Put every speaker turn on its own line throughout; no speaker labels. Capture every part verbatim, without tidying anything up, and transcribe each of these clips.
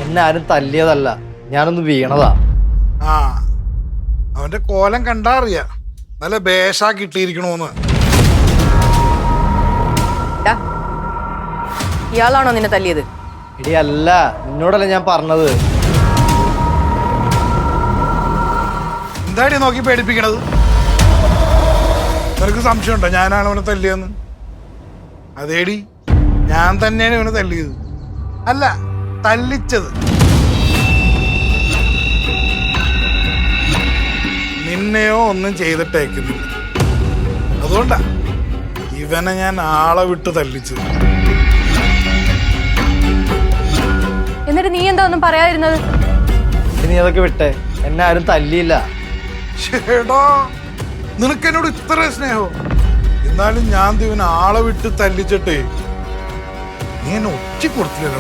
എന്നെ ആരും തല്ലിയതല്ല, ഞാനൊന്ന് വീണതാ.
ആ അവന്റെ കോലം കണ്ടാ അറിയാ നല്ല ബേഷാ കിട്ടിയിരിക്കണോന്ന്.
ഇയാളാണോ നിന്നെ തല്ലിയത്?
എടി അല്ല, നിന്നോടല്ല ഞാൻ പറഞ്ഞത്.
എന്താടി നോക്കി പേടിപ്പിക്കണത്? നിനക്ക് സംശയമുണ്ടോ ഞാനാണ് അവനെ തല്ലിയെന്ന്? അതേടി, ഞാൻ തന്നെയാണ് ഇവനെ തല്ലിയത്, അല്ല തല്ലിച്ചത്. നിന്നെയോ ഒന്നും ചെയ്തിട്ടേക്കുന്നില്ല, അതുകൊണ്ടാ ഇവനെ ഞാൻ ആളെ വിട്ട് തല്ലിച്ചത്.
എന്നിട്ട് നീ എന്താ ഒന്നും പറയാതിരുന്നത്?
നീ അതൊക്കെ വിട്ടെ, എന്നെ ആരും തല്ലിയില്ല.
ചേടാ, നിനക്ക് എന്നോട് ഇത്ര സ്നേഹോ? എന്നാലും ഞാൻ ഇവനെ ആളെ വിട്ട് തല്ലിച്ചിട്ടേ നീ എന്നെ ഒറ്റ കൊടുത്തില്ലല്ലോ.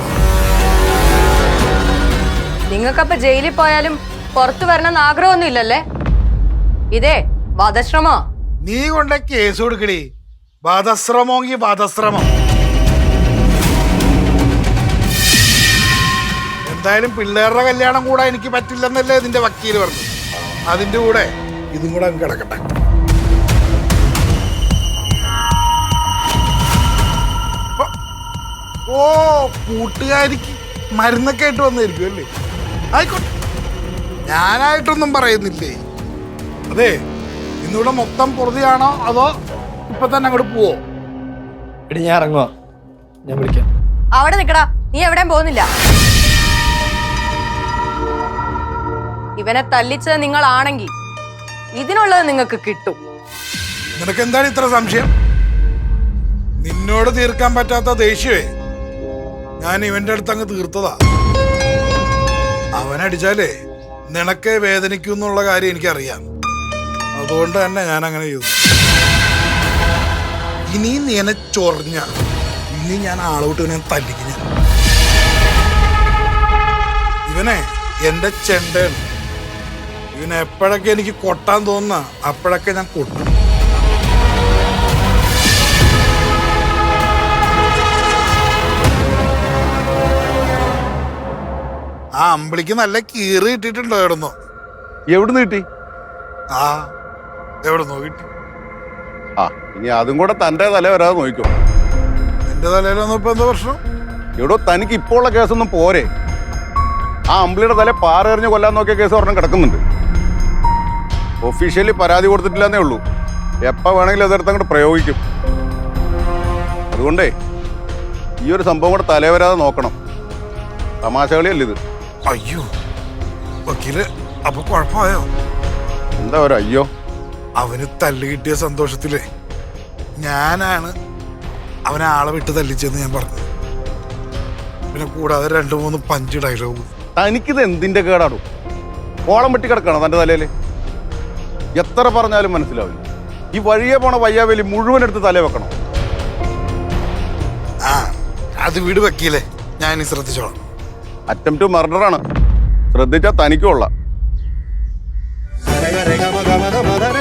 നിങ്ങൾക്കപ്പൊ ജയിലിൽ പോയാലും പുറത്തു വരണമെന്ന് ആഗ്രഹമൊന്നും ഇല്ലല്ലേ? ഇതേ വധശ്രമോ?
നീ കൊണ്ട കേസ് കൊടുക്കടി. വധശ്രമോങ്കി വധശ്രമം. എന്തായാലും പിള്ളേരുടെ കല്യാണം കൂടെ എനിക്ക് പറ്റില്ലെന്നല്ലേ ഇതിന്റെ വക്കീല് പറഞ്ഞു. അതിന്റെ കൂടെ ഇതും കൂടെ അങ്ങ് കിടക്കട്ടെ. ഓ, കൂട്ടുകാരിക്ക് മരുന്നൊക്കെ ആയിട്ട് വന്നായിരിക്കും അല്ലേ? ആയിക്കോട്ടെ, ഞാനായിട്ടൊന്നും പറയുന്നില്ലേ. അതെ, ഇന്നിവിടെ മൊത്തം പൊറുതിയാണോ അതോ ഇപ്പൊ തന്നെ അങ്ങോട്ട് പോവോ?
എടി ഞാൻ ഇറങ്ങുവാ, ഞാൻ വിളിക്കാം.
അവിടെ നിക്കടാ, നീ എവിടെയും പോകുന്നില്ല. ഇവനെ തല്ലിച്ചത് നിങ്ങളാണെങ്കിൽ ഇതിനുള്ളത് നിങ്ങൾക്ക് കിട്ടും.
നിനക്ക് എന്താണ് ഇത്ര സംശയം? നിന്നോട് തീർക്കാൻ പറ്റാത്ത ദേഷ്യമേ ഞാൻ ഇവന്റെ അടുത്ത് അങ്ങ് തീർത്തതാ. അവനടിച്ചാലേ നിനക്ക് വേദനിക്കും എന്നുള്ള കാര്യം എനിക്കറിയാം, അതുകൊണ്ട് തന്നെ ഞാൻ അങ്ങനെ ചെയ്തു. ഇനി നീനെ ചൊറിഞ്ഞ ഇനി ഞാൻ ആളോട്ട് ഇവനെ തല്ലിക്കുന്ന. ഇവനെ എന്റെ ചെണ്ടയാണ്. ഇവനെ എപ്പോഴൊക്കെ എനിക്ക് കൊട്ടാൻ തോന്നുന്ന അപ്പോഴൊക്കെ ഞാൻ കൊട്ടും. ആ അമ്പിളിക്ക് നല്ല കീറി കിട്ടിയിട്ടുണ്ടോ? എവിടുന്നോ?
എവിടുന്ന് കിട്ടി?
ആ എവിടുന്നോ കിട്ടി.
ആ ഇനി അതും കൂടെ തന്റെ തല വരാതെ നോക്കിക്കോ.
എന്റെ തലയിലൊന്നും ഇപ്പൊ എന്താ പ്രശ്നം?
എവിടോ, തനിക്ക് ഇപ്പോൾ ഉള്ള കേസൊന്നും പോരെ. ആ അമ്പിളിയുടെ തല പാറെറിഞ്ഞ് കൊല്ലാൻ നോക്കിയ കേസ് ഒരെണ്ണം കിടക്കുന്നുണ്ട്. ഒഫീഷ്യലി പരാതി കൊടുത്തിട്ടില്ലെന്നേ ഉള്ളൂ. എപ്പോൾ വേണമെങ്കിലും അതെടുത്ത് അങ്ങോട്ട് പ്രയോഗിക്കും. അതുകൊണ്ടേ ഈ ഒരു സംഭവം കൂടെ തല വരാതെ നോക്കണം. തമാശകളിയല്ല ഇത്.
അയ്യോ വക്കീല്, അപ്പൊ കുഴപ്പമായോ?
എന്താ ഒരു അയ്യോ?
അവന് തല്ല് കിട്ടിയ സന്തോഷത്തില് ഞാനാണ് അവനെ ആളെ വിട്ട് തല്ലിച്ചെന്ന് ഞാൻ പറഞ്ഞു. പിന്നെ കൂടാതെ രണ്ടു മൂന്ന് പഞ്ച് ഡയലോഗ്.
തനിക്കിത് എന്തിന്റെ കേടാടും? കോളം വെട്ടി കിടക്കണം തന്റെ തലയില്. എത്ര പറഞ്ഞാലും മനസ്സിലാവില്ല. ഈ വഴിയെ പോണ വയ്യാവേലി മുഴുവൻ എടുത്ത് തല വെക്കണം.
ആ അത് വീട് വക്കീലേ, ഞാൻ ഇനി ശ്രദ്ധിച്ചോളാം.
അറ്റംപ്റ്റ് മർഡറാണ്, ശ്രദ്ധിച്ചാൽ തനിക്കുള്ള.